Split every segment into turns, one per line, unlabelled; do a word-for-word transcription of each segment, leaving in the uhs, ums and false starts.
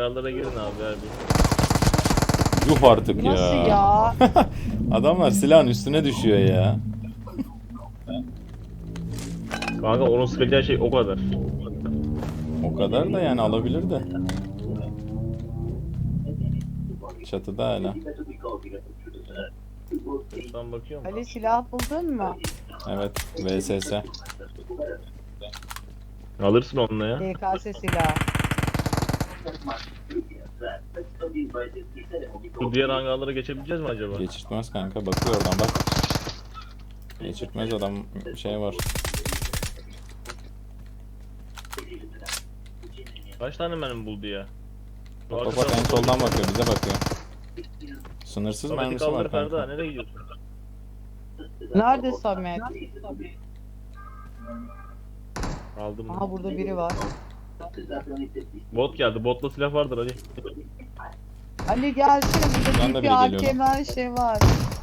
Hangarlara girin abi abi.
Yuh artık ya.
Nasıl ya?
Adamlar silahın üstüne düşüyor ya.
Kanka onun sıkacağı şey o kadar.
O kadar da yani alabilir de. Çatıda hala.
Sen bakıyor musun?
Ali silah buldun mu?
Evet. V S S.
Alırsın onunla ya.
D K S silahı.
Bu diğer hangarlara geçebileceğiz mi acaba?
Geçirtmez kanka. Bakıyor oradan bak. Geçirtmez adam şey var.
Kaç tane mermi buldu ya?
Bak bak, bak en soldan bakıyor. Bize bakıyor. Sınırsız
Samet'i
mermisi
kaldır
var
Ferda.
kanka.
Nereye gidiyorsun?
Nerede Samet?
Aldım mı?
Aha burada biri var.
Bot geldi. Botla silah vardır Ali.
Ali gelsene
Buradan da
burada
biri
bir A
geliyor
K M her şey var.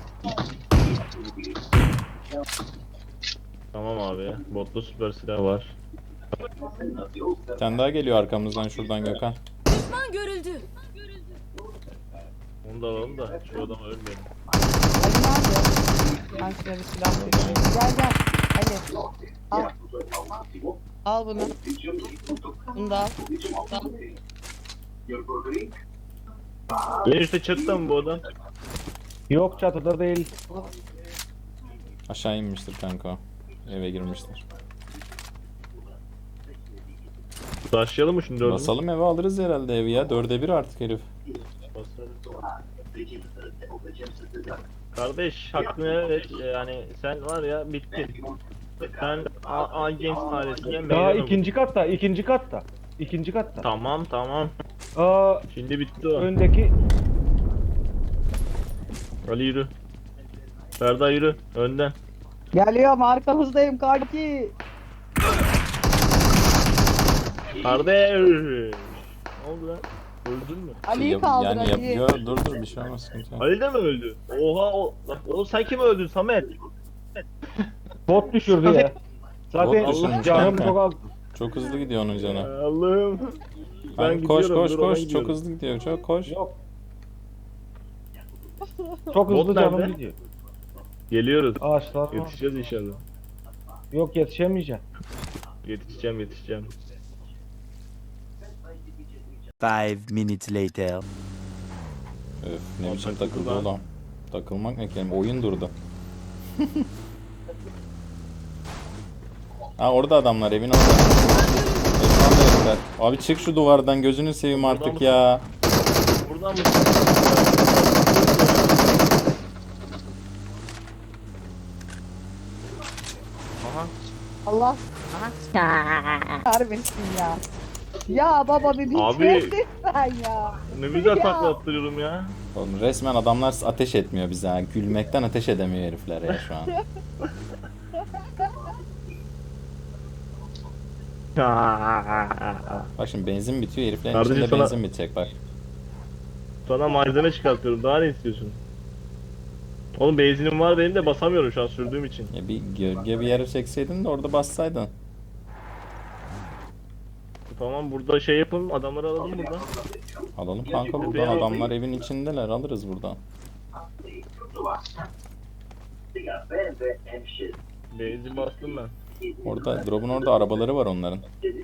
Tamam abi. Botla süper silah var.
Bir tane daha geliyor arkamızdan şuradan Gökhan.
Düşman görüldü.
Onu da alalım da şu adam ölmeyelim.
Ali nerede? Ben şuna bir silah vereyim. Gel gel. Ali. Al. Al bunu. Bunu da al.
En üstte çatıda mı bu adam?
Yok çatıda değil.
Aşağı inmiştir kanka o. Eve girmiştir.
Taşlayalım mı şimdi dördünü?
Basalım eve alırız herhalde evi ya. Dörde bir artık herif.
Kardeş hakkını evet yani sen var ya bittin. Sen A, A Games ailesinden
Daha
meydan
ikinci katta, ikinci katta. İkinci katta.
Tamam tamam.
Aa,
Şimdi bitti o.
öndeki
Ali yürü. Ferda yürü. Önden.
Geliyorum arkamızdayım kanki.
Kardeş. Ne oldu lan? Öldün mü?
Ali'yi
Yap-
kaldır
yani
Ali'yi.
yapıyor. Dur dur bir şey olmaz sıkıntı yok.
Ali de mi öldü? Oha o. Lan oğlum sen kim öldün Samet?
bot düşürdü ya. Zaten
Bot düşürmüş
canım
kanka.
çok az.
Çok hızlı gidiyor onun canı.
Allah'ım.
Ben koş
gidiyorum,
koş
dur, ona
koş.
gidiyorum.
Çok hızlı gidiyor. Çok koş.
Yok. Çok
Bot
hızlı canım
nerede?
gidiyor.
Geliyoruz.
Ağaçlar var.
Yetişeceğiz inşallah.
Yok yetişemeyeceğim.
Yetişeceğim yetişeceğim.
Five minutes later.
Öf ne
Lan
biçim
takıldı
takıldı
lan.
oğlum. Takılmak ne kelime? Oyun durdu. Ha orada adamlar evin orada. Evin orada herifler. Abi çık şu duvardan gözünü seveyim
Buradan
artık
mı?
ya.
Buradan mı? Aha.
Allah. Harbisin ya. Ya baba bir
Abi.
bitirdin sen ya.
Ne güzel
Ya.
takla attırıyorum ya.
Oğlum resmen adamlar ateş etmiyor bize ha. Gülmekten ateş edemiyor herifler ya şu an. Bak şimdi benzin bitiyor heriflerin
Kardeşim
içinde
sana-
benzin bitecek bak.
Sana malzeme çıkartıyorum. Daha ne istiyorsun? Oğlum benzinim var benim de basamıyorum şu an sürdüğüm için.
Ya bir gölge bir yere çekseydin de orada bassaydın.
Tamam burada şey yapın adamları alalım buradan.
Alalım kanka buradan adamlar evin içindeler alırız buradan.
Benzin bastım ben.
Orada drop'un orada arabaları var onların.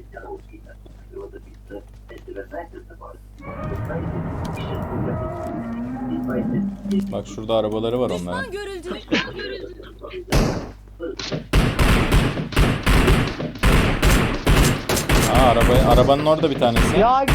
Bak şurada arabaları var onların.
Düşman görüldü.
Aa araba, arabanın orada bir tanesi.
Ya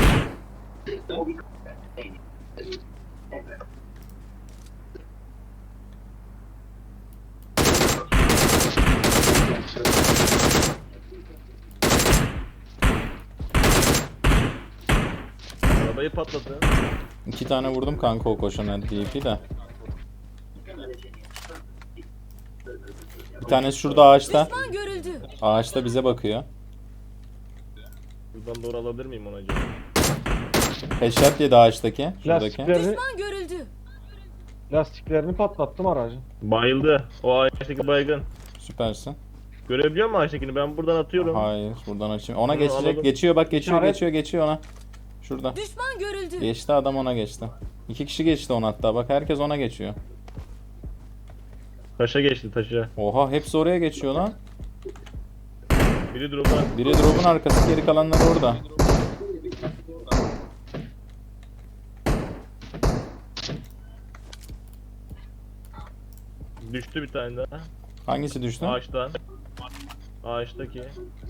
Arabayı patladı.
İki tane vurdum kanka o koşana D P de. Bir tanesi şurada ağaçta.
Düşman görüldü.
Ağaçta bize bakıyor.
Buradan doğru alabilir miyim onu acaba?
Headshot yedi ağaçtaki. Şuradaki.
Lastiklerini,
Düşman görüldü.
lastiklerini patlattım aracın.
Bayıldı. O ağaçtaki baygın.
Süpersin.
Görebiliyor musun ağaçtakini? Ben buradan atıyorum.
Hayır buradan açayım. Ona
Bunu
geçecek.
alalım.
Geçiyor bak geçiyor
İşaret.
geçiyor geçiyor ona. Şurada.
Düşman görüldü.
Geçti adam, ona geçti. İki kişi geçti ona hatta. Bak herkes ona geçiyor.
Taşa geçti taşa.
Oha, hepsi oraya geçiyor lan.
Biri drop'a.
Biri drop'un arkası, geri kalanlar orada.
Düştü bir tane daha.
Hangisi düştü?
Ağaçtan. Ağaçtaki.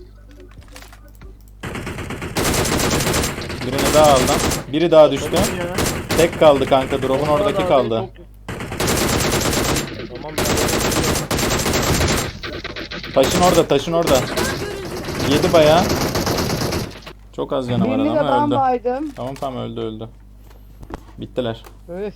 Birini daha aldım. Biri daha düştü.
Tamam ya.
Tek kaldı kanka, drop'un oradaki kaldı.
Tamam.
Taşın orada, taşın orada. Yedi bayağı. Çok az canı var
Birlik
ama
adam
öldü.
baydım.
Tamam tamam, öldü öldü. Bittiler.
Öf.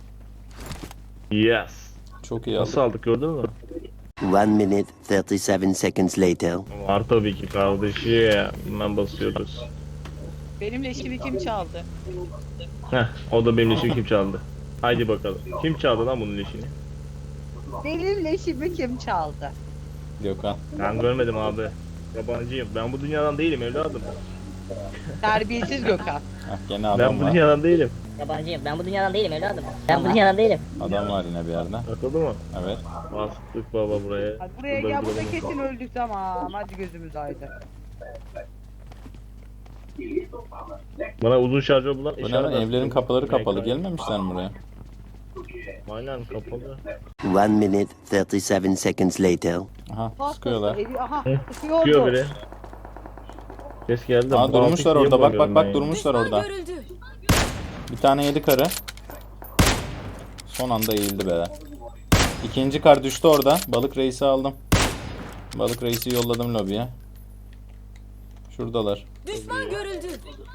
Yes.
Çok iyi
Nasıl
aldı.
aldık gördün mü?
One minute, thirty-seven seconds later.
Var tabii ki kardeşim. Hemen basıyoruz.
Benim leşimi kim çaldı?
Heh, o da benim leşimi kim çaldı? Haydi bakalım. Kim çaldı lan bunun leşini?
Benim leşimi kim çaldı?
Gökhan.
Ben görmedim abi. Yabancıyım. Ben bu dünyadan değilim evladım.
Terbiyesiz Gökhan.
Heh, gene
Ben
adam
bu
var.
dünyadan değilim.
Yabancıyım. Ben bu dünyadan değilim evladım. Ben bu dünyadan değilim.
Adam var yine bir yerde.
Atıldı mı?
Evet.
Bastık baba buraya.
Hadi buraya
Burada
gel,
bir
burada
duralım.
kesin öldük, tamam. Hadi gözümüz aydın.
Bana uzun şarjör bulan
Bu ne lan?
işaret
Evlerin
attı.
kapıları kapalı.
M K.
Gelmemişler mi buraya?
Aynen kapalı.
One minute, thirty-seven seconds later.
Aha,
Pastası,
sıkıyorlar.
evi, aha,
Hı,
sıkıyordu.
Çıkıyor biri. Ses geldi.
Aa,
Bu
durmuşlar
altı
orada. Bak
bulamıyorum
bak
ben
bak,
ya.
durmuşlar
Düşman
orada.
görüldü.
Bir tane yedi karı. Son anda eğildi be. İkinci kar düştü orada. Balık reisi aldım. Balık reisi yolladım lobiye. Şuradalar.
Düşman görüldü.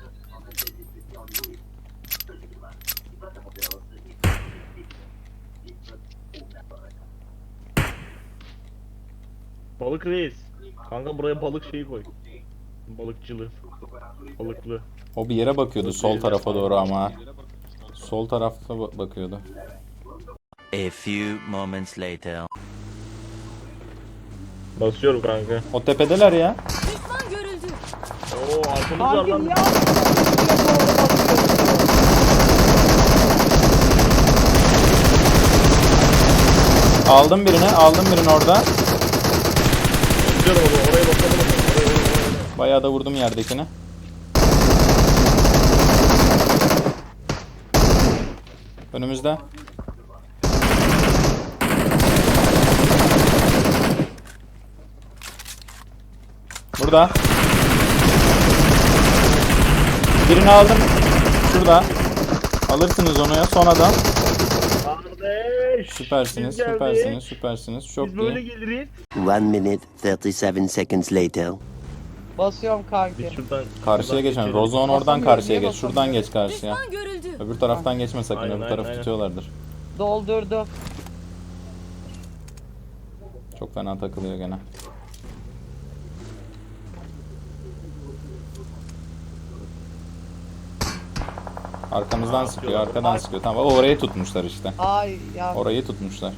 Balık reis. Kanka buraya balık şeyi koy. Balıkçılı. Balıklı.
O bir yere bakıyordu sol tarafa doğru ama. Sol tarafa ba- bakıyordu.
A few moments later.
Basıyorum kanka.
O tepedeler ya.
Düşman görüldü.
Oo arkamız var
Kanki
lan.
niye aldın?
Aldım birini, aldım birini orada.
Basıyorum onu. Oraya bakalım. Oraya, oraya, oraya.
Bayağı da vurdum yerdekini. Önümüzde. Burada. Birini aldım. Şurada. Alırsınız onu ya. Son adam.
Kardeş.
Süpersiniz,
biz geldik.
süpersiniz, süpersiniz. Çok
Biz böyle
iyi.
geliriz.
One minute, thirty-seven seconds later.
Basıyorum kanki.
Biz şuradan
Karşıya
şuradan
geçen.
geçelim.
Rozon oradan
Basamıyorum,
karşıya
niye
geç. Şuradan geç karşıya.
Düşman görüldü.
Öbür taraftan geçme sakın.
Aynen,
Öbür
aynen,
tarafı
aynen.
tutuyorlardır.
Doldurdu.
Çok fena takılıyor gene. Arkamızdan sıkıyor, arkadan sıkıyor. Tamam, o orayı tutmuşlar işte.
Ay ya.
Orayı tutmuşlar.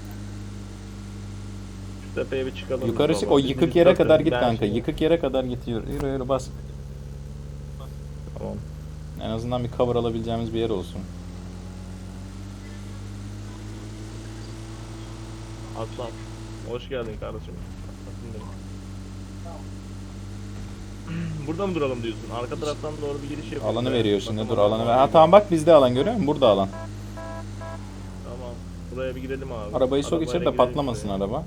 Şu tepeye bir çıkalım.
Yukarı
biz
çık,
baba.
o
Biz
yıkık
üst
yere
katı.
kadar git
Ben
kanka.
şimdi-
Yıkık yere kadar git. Yürü yürü, yürü bas.
Tamam.
En azından bir cover alabileceğimiz bir yer olsun.
Aslan. Hoş geldin kardeşim. Aslan benim. Burada mı duralım diyorsun? Arka taraftan doğru bir giriş yapalım.
Alanı
Ya.
veriyor şimdi. Dur,
Bakalım.
alanı ver. Ha tamam, bak bizde alan, görüyor musun? Burada alan.
Tamam. Buraya bir girelim abi.
Arabayı sok
Arabayla
içeri de
girelim
patlamasın
buraya.
araba.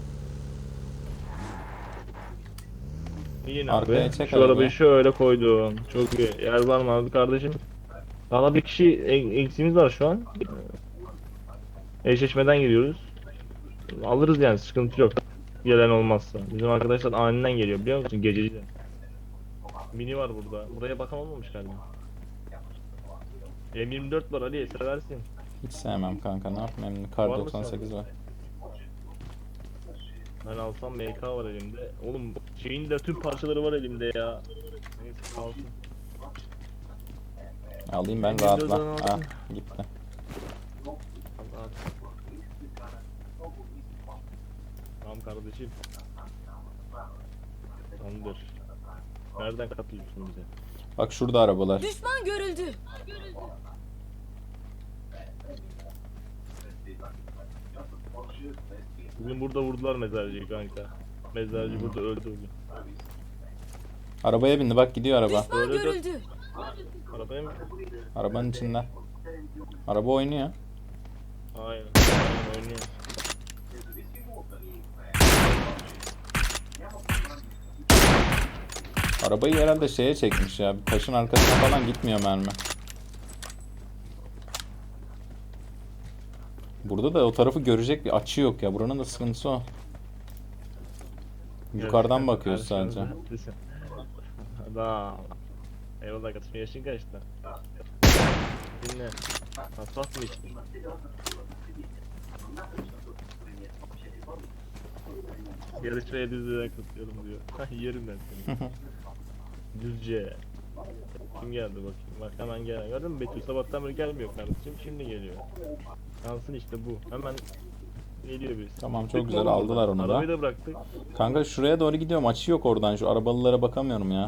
İyi
Arkaya
abi.
çek
Şu
arabayı.
arabayı şöyle koydum. Çok iyi. Yer var mı abi kardeşim? Daha bir kişi e- eksiğimiz var şu an. Eşleşmeden giriyoruz. Alırız yani, sıkıntı yok. Gelen olmazsa. Bizim arkadaşlar aniden geliyor biliyor musun? Gececi de. Mini var burada. Buraya bakan olmamış galiba. M yirmi dört var Ali, seversin.
Hiç sevmem kanka, ne yapayım? Kar
Var mı
doksan sekiz var.
Ben alsam M K var elimde. Oğlum şeyin de tüm parçaları var elimde ya. Neyse kalsın.
Alayım ben,
Windows
rahatla.
on altı.
Ah gitti.
Al, al. Tamam kardeşim. Tamamdır. Nereden katılıyorsun bize?
Bak şurada arabalar.
Düşman görüldü.
Bugün burada vurdular mezarcıyı kanka. Mezarcı burada öldü bugün.
Arabaya bindi bak gidiyor araba.
Düşman
Öyle de-
görüldü.
Arabaya mı?
Arabanın içinde. Araba oynuyor.
Aynen. Aynen oynuyor.
Arabayı herhalde şeye çekmiş ya. Bir taşın arkasına falan gitmiyor mermi. Burada da o tarafı görecek bir açı yok ya. Buranın da sıkıntısı o. Yukarıdan
Gerçekten
bakıyoruz
karşımızda
sadece.
haklısın. Adam. Eyvallah kardeşim, yaşın kaçtı? Dinle. Asfalt mı içtin? Yarışmaya düzlüğe kutluyorum diyor. Hah, yerim ben seni. Düzce. Kim geldi bakayım? Bak hemen gelen. Gördün mü Betül? Sabahtan beri gelmiyor kardeşim. Şimdi geliyor. Yansın işte bu. Hemen geliyor birisi.
Tamam, çok güzel, aldılar onu da.
Arabayı da bıraktık.
Kanka şuraya doğru gidiyorum. Açı yok oradan. Şu arabalılara bakamıyorum ya.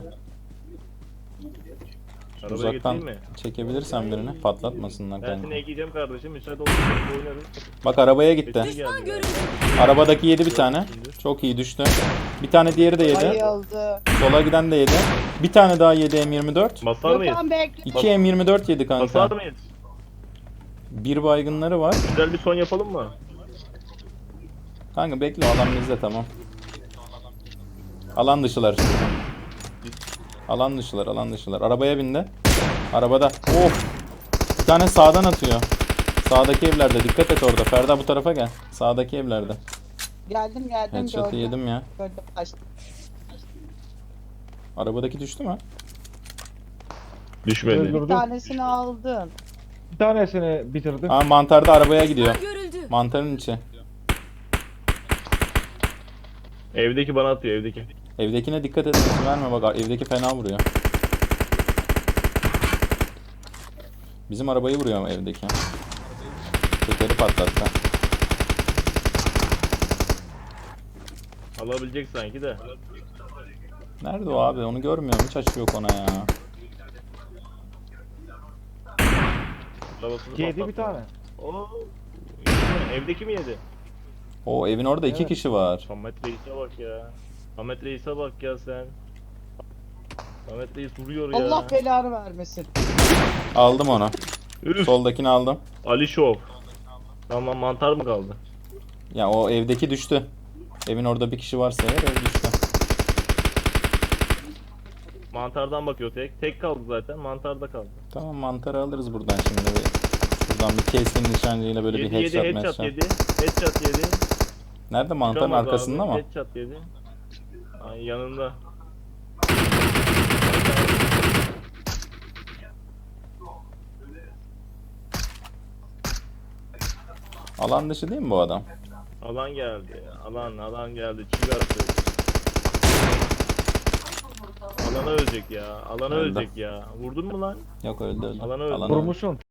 Arabaya
Uzaktan
getireyim mi?
çekebilirsen birini patlatmasınlar
Ben
kanka.
seni ekleyeceğim kardeşim. Müsaade olursa oynarız.
Bak arabaya gitti.
Betül
Düşman
geldi
görüldü.
galiba.
Arabadaki yedi bir tane. Çok iyi düştü. Bir tane diğeri de yedi.
Bayıldı.
Sola giden de yedi. Bir tane daha yedi M yirmi dört.
Basar mıyız?
Gökhan bekle.
iki M yirmi dört yedi
Basar
kanka.
mıyız?
Bir baygınları var.
Güzel bir son yapalım mı?
Kanka bekle, alan bizde, tamam. Alan dışılar. Alan dışılar, alan dışılar. Arabaya bindi. Arabada. Of. Bir tane sağdan atıyor. Sağdaki evlerde. Dikkat et orada. Ferda bu tarafa gel. Sağdaki evlerde.
Geldim geldim
Headshot'ı
gördüm.
yedim ya.
Gördüm kaçtım.
Arabadaki düştü mü?
Düşmedi.
Bir
Öldürdüm.
tanesini aldım.
Bir tanesini bitirdim.
Aa, mantarda arabaya gidiyor.
Düşman görüldü.
Mantarın içi.
Evdeki bana atıyor evdeki.
Evdekine dikkat et. Sesi verme bak. Evdeki fena vuruyor. Bizim arabayı vuruyor evdeki. Tekeri patlattı.
Alabilecek sanki de.
Nerede o abi? Onu görmüyorum. Hiç açı yok ona ya.
Arabasını
Yedi bir
patlattı.
tane.
Oo. yedi mi? Evdeki mi yedi?
O evin orada iki
Evet.
kişi var.
Ahmet Reis'e bak ya. Ahmet Reis'e bak ya sen. Ahmet Reis vuruyor ya.
Allah belanı vermesin.
Aldım onu.
Üf.
Soldakini aldım.
Ali Şov. Tamam, mantar mı kaldı?
Ya o evdeki düştü. Evin orada bir kişi varsa eğer ev düştü.
Mantardan bakıyor tek. Tek kaldı zaten. Mantarda kaldı.
Tamam, mantarı alırız buradan şimdi. Bir, buradan bir keskin nişancıyla böyle
Yedi
bir
yedi
headshot
headshot
headshot.
yedi. Headshot yedi.
Nerede, mantarın
Çıkamaz
arkasında
abi.
mı?
Headshot yedi. Ay yanında.
Alan dışı değil mi bu adam?
Alan geldi. Alan alan geldi. Çıkarttı. Alana ölecek ya. Alana
Öldü.
ölecek ya. Vurdun mu lan?
Yok, öldü öldü.
Alanı öldü.
Alanı öldü.
Vurmuşsun.